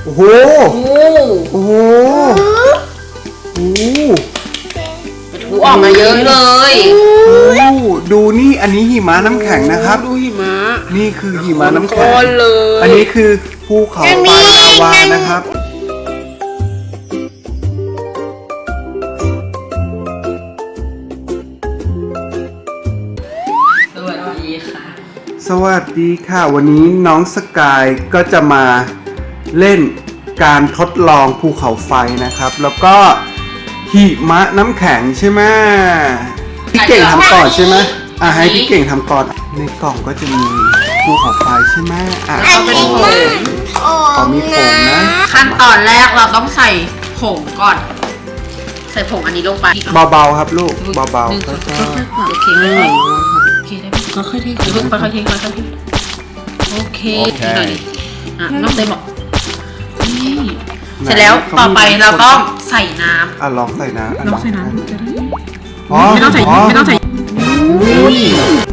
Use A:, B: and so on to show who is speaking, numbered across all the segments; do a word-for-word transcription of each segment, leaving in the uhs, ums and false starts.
A: โอ้โหโอ้โหโอ้โห
B: ถูออกมาเยอะเลย
A: ดูนี่อันนี้หิมะน้ำแข็งนะครับ
B: ดูหิมะ
A: นี่คือหิมะน้ำแข็ง
B: เลย
A: อันนี้คือภูเขาไฟลาวานะครับ
B: สวัสดีค่ะ
A: สวัสดีค่ะวันนี้น้องสกายก็จะมาเล่นการทดลองภูเขาไฟนะครับแล้วก็หิมะน้ำแข็งใช่ไหมพี่เก่งทำก่อนใช่ไหมอ่ะให้พี่เก่งทำก่อนในกล่องก็จะมีภูเขาไฟใช่ไหมอ่ะ
B: ก็เป็นผง
A: อ๋อมีผงนะ
B: ขั้นตอนแรกเราต้องใส่ผงก่อนใส่ผงอันนี้ลงไป
A: เบาๆครับลูกเบาๆ
B: ค่อยๆโอเคโอเคได้ไหมค่อยๆเทค่อยๆเทค่อยๆเทโอเคหน่อยอ่ะน้องเต้บอกนี่เสร็จแล้วต่อไปเราต้องใส่น้ำ
A: อ่ะลองใส่น้ำ
B: ลองใส่น้ำ
A: ไม่
B: ต้องใส่ไม่ต้องใส่
A: อุ้ย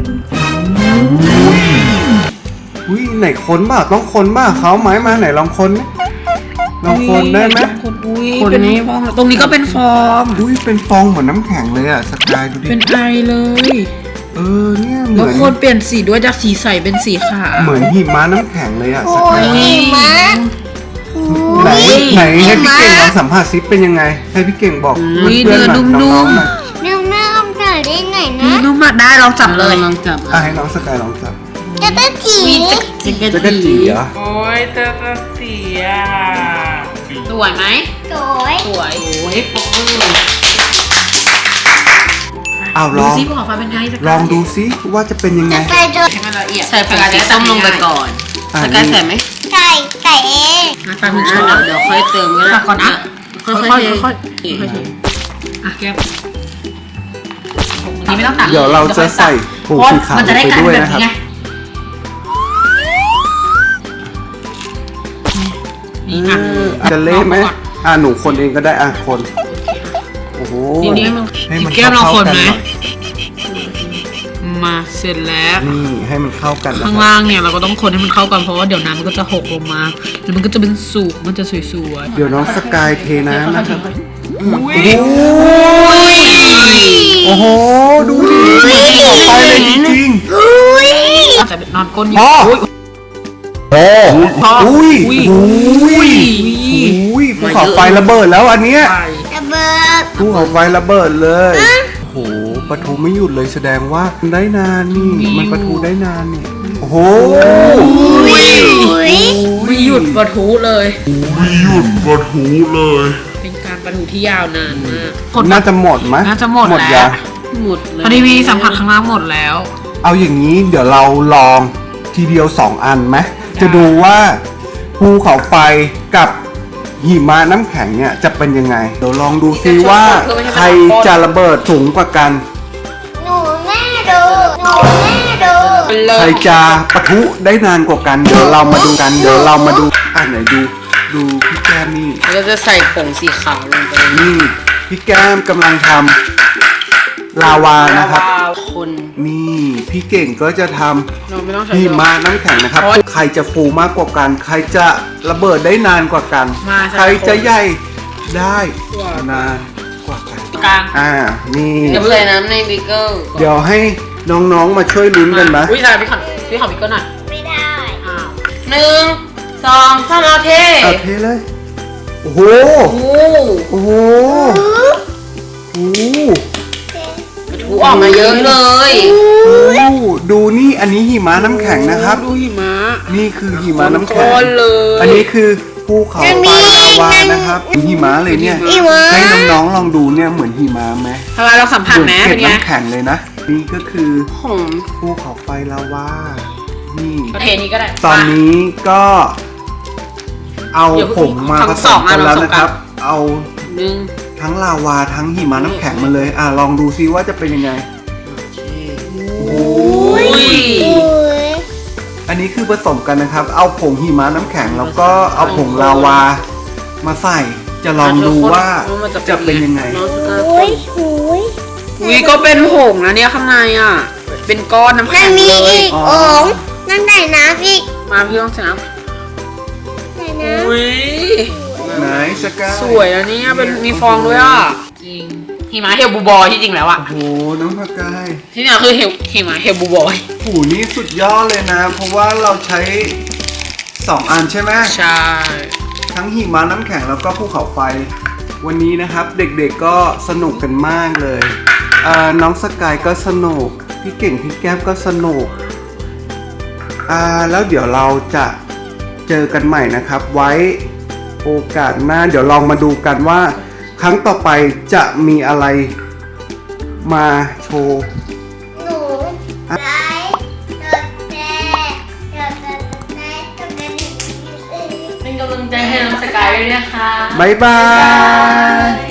A: อุ้ยไหนคนบ้าต้องคนบ้าเขาไม้มาไหนลองคนลองคนได้ไหม
B: คนนี้ฟองตรงนี้ก็เป็นฟอง
A: อุ้ยเป็นฟองเหมือนน้ำแข็งเลยอ่ะสกายดูดิ
B: เป็นไอเลย
A: เออเนี่ยเห
B: มือนแล้วคนเปลี่ยนสีด้วยจากสีใสเป็นสีขาว
A: เหมือนหิมะน้ำแข็งเลยอ่ะสกาย
C: หิมะ
A: ไหนไหนให้พี่เก่งลองสัมผัสซิเป็นยังไงให้พี่เก่งบอกเพื่อนๆหน่อยน้องๆหน่อย
C: นุ่มๆนุ่มๆได้ไงนะ
B: นุ่มมากได้ลองจับเลยลองจับ
A: อ่ะให้น้องสกายลองจับ
C: จะกระจี
A: จะกระจีเหรอ
B: โอ้ยจะกระจีอ่ะสวยไหม
C: สวย
B: สวยโอ้ยฟอง
A: เอาลองลองดูซิว่าจะเป็นยังไง
C: ใส่
B: ให้มันละเอียดใส่ผงสีส้มลงไปก่อนสกายใส่ไหม
C: ใส่ใส่เอง
B: อ่ะตามนี้เดี๋ยวค่อยเติมก็ได้ก่อนนะค่อยค่อยค่อยค่อยอ่ะแก้มนี่ไม่ต้องตัก
A: เดี๋ยวเราจะใส่ผงสีขาวไปด้วยนะครับจะเละไหมอ่ะหนูคนเองก็ได้อ่ะคนโอ้โห
B: ให้มันแก้มเราคนไหมมาเสร็จแล้ว
A: นี่ให้มันเข้ากัน
B: ข้างล่างเนี่ยเราก็ต้องคนให้มันเข้ากันเพราะว่าเดี๋ยวน้ำมันก็จะหกลงมาแล้วมันก็จะเป็นสูบมันจะสวย
A: ๆเดี๋ยวน้องสกายเทน้ำนะครับโอ้โหดูดิออกไปเลยจริง
B: ๆแต่นอนก้นอยู่
A: โอ้อุ้ยอุ้ยอุ้ยภูเขาไฟระเบิดแล้วอันเนี้ย
C: ระเบิด
A: ภูเขาไฟระเบิดเลยโอ้โหปะทุไม่หยุดเลยแสดงว่าได้นานนี่มันปะทุได้นานนี่โอ้โห
B: ไม่หยุดปะทุเลย
A: ไม่หยุดปะทุเลย
B: เป็นการปะทุที่ยาวนานมาก
A: น่าจะหมดไหม
B: น่าจะหมดแล้วหมดเลยพอดีมีสัมผัสข้างล่างหมดแล้ว
A: เอาอย่างนี้เดี๋ยวเราลองทีเดียวสองอันไหมจะดูว่าภูเขาไฟกับหิมะน้ำแข็งเนี่ยจะเป็นยังไงเดี๋ยวลองดูซิว่าใครจะระเบิดสูงกว่ากัน
C: หนูแม่ดูหนูแม่ดู
A: ใครจะปะทุได้นานกว่ากันเดี๋ยวเรามาดูกันเดี๋ยวเรามาดูอ่ะไหนดูดูพี่แก้มนี่
B: เราจะใส่ผงสีขาวลงไป
A: นี่พี่แก้มกำลังทำลาวานะครับ
B: คน
A: นี่พี่เก่งก็จะทำหิมะน้ำแข็งนะครับใครจะฟูมากกว่ากันใครจะระเบิดได้นานกว่ากันใครจะใหญ่ได้นานกว่ากัน
B: กลาง
A: อ่านี่
B: เดี๋ยวใส่น้ำในบิ๊กเกิล
A: เดี๋ยวให้น้องๆมาช่วยลุ้นกันนะ
B: อุ้ยใส่พี่ขอพี่ขอบิ๊กเกิลหน่อย
C: ไม่ได้
B: อ้าวหนึ่งสองสามเอาเท
A: เอาเทเลยโอ้โหโอ้โหโอ้
B: ถูออกมาเยอะเลย
A: ดูนี่อันนี้หิมะน้ำแข็งนะครับ
B: ดูหิมะ
A: นี่คือหิมะน้ำแข็ง
B: เลย
A: อันนี้คือภูเขาไฟลาวานะครับหิมะเลยเนี่ยให้น้องๆลองดูเนี่ยเหมือนหิมะไหม
B: ทำไมเราสัมผัสไหม
A: เป็นน้ำแข็งเลยนะนี่ก็คือภูเขาไฟลาวานี่
B: ประเทศนี้ก็ได้
A: ตอนนี้ก็เอาผงมาผสมกันแล้วนะครับเอา
B: หนึ่ง
A: ทั้งลาวาทั้งหิมะน้ำแข็งมาเลยอ่ะลองดูซิว่าจะเป็นยังไงโอ้ยอันนี้คือผสมกันนะครับเอาผงหิมะน้ำแข็งแล้วก็เอาผงลาวามาใส่จะลองดูว่าจะเป็นยังไง
C: โอ้ยโอ้ย
B: วีก็เป็นผงนะเนี่ยข้างในอ่ะเป็นก้อนน้ำแข็ง
C: เลยมีอีกโอ่งนั่นไหนน้ำอีก
B: มาพี่ต้องใส่น้ำ
C: ใส่น้ำ
A: ไหนสกาย
B: สวยอันนี้เป็นมีฟองด้วยอ่ะจริงหิมะเฮลบูบอยที่จริงแล้วอ่ะ
A: โอ้โหน้องสกาย
B: ที่นี่คือเฮลหิมะเฮลบูบอย
A: ผูนี่สุดยอดเลยนะ เพราะว่าเราใช้สองอันใช่ไหม
B: ใช่
A: ทั้งหิมะน้ำแข็งแล้วก็ภูเขาไฟ วันนี้นะครับเด็กๆก็สนุกกันมากเลยอ่าน้องสกายก็สนุกพี่เก่งพี่แก้มก็สนุกอ่าแล้วเดี๋ยวเราจะเจอกันใหม่นะครับ ไว้โอกาสหน้าเดี๋ยวลองมาดูกันว่า ครั้งต่อไปจะมีอะไรมาโชว์
C: หนูไลค์กดแชร์กดติดตามกดกระดิ่ง
B: เป็นกำลังใจให้น้องสกายด้วยนะคะ
A: บ๊ายบาย